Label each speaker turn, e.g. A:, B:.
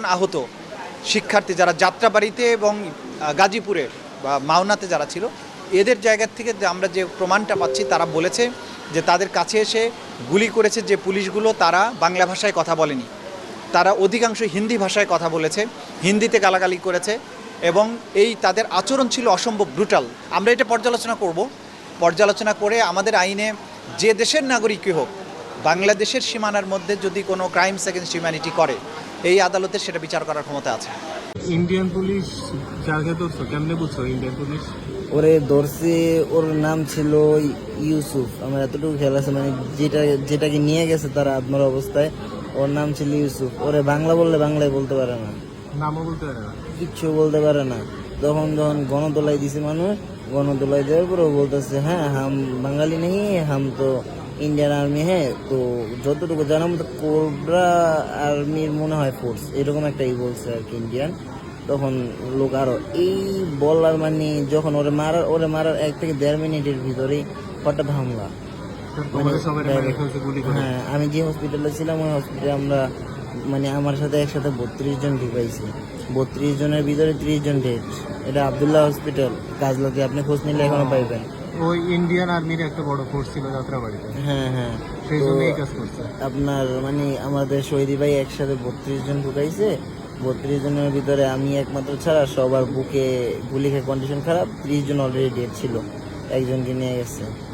A: জন আহত শিক্ষার্থী যারা যাত্রাবাড়িতে এবং গাজীপুরে বা মাওনাতে যারা ছিল, এদের জায়গা থেকে আমরা যে প্রমাণটা পাচ্ছি, তারা বলেছে যে তাদের কাছে এসে গুলি করেছে যে পুলিশগুলো, তারা বাংলা ভাষায় কথা বলেনি, তারা অধিকাংশ হিন্দি ভাষায় কথা বলেছে, হিন্দিতে গালাগালি করেছে এবং এই তাদের আচরণ ছিল অসম্ভব ব্রুটাল। আমরা এটা পর্যালোচনা করে আমাদের আইনে যে দেশের নাগরিকই হোক, বাংলাদেশের সীমানার মধ্যে যদি কোনো ক্রাইমস এগেনস্ট হিউম্যানিটি করে, এই আদালতের সেটা বিচার করার ক্ষমতা আছে।
B: ইন্ডিয়ান পুলিশ যাকে ধরছো কেমনে বুঝছো ইন্ডিয়ান পুলিশ?
C: ওরে ধরছে, ওর নাম ছিল ইউসুফ। আমার এতটুকু খেয়াল আছে, মানে যেটাকে নিয়ে গেছে তারা আত্মার অবস্থায়, ওর নাম ছিল ইউসুফ। ওরে বাংলা বললে বাংলায় বলতে পারে না,
B: নামও বলতে পারে না,
C: কিচ্ছু বলতে পারে না। যখন গণদোলাই দিছে মানুষ, গণদোলাই দেওয়ার পর ও বলতেছে হ্যাঁ হাম বাঙালি নেই, হাম তো ইন্ডিয়ান আর্মি। হ্যাঁ, তো যতটুকু জানার মতো কোবরা আর্মির মনে হয় ফোর্স, এরকম একটা বলছে আর কি ইন্ডিয়ান। তখন লোক আরো এই বলার মানে যখন ওরে মারার 1 থেকে 1.5 মিনিটের ভিতরেই হঠাৎ হামলা। হ্যাঁ, আমি যে হসপিটালে ছিলাম ওই হসপিটালে আমরা মানে আমার সাথে একসাথে 32 জন ঢুকাইছি। 32 জনের ভিতরে 30 জন ডেড। এটা আবদুল্লাহ হসপিটাল, কাজলাতে, আপনি খোঁজ নিলে এখনো পাইবেন।
B: ওই ইন্ডিয়ান আর্মির একটা বড় ফোর্স ছিল যাত্রাবাড়িতে।
C: হ্যাঁ,
B: সেই জন্য এই কাজ করছে।
C: আপনার মানে আমাদের শহীদি ভাই একসাথে 32 জন ঢুকাইছে। 32 জনের ভিতরে আমি একমাত্র ছাড়া সবার বুকে গুলি খেয়ে কন্ডিশন খারাপ। 30 জন অলরেডি ডেড ছিল, একজনকে নিয়ে গেছে।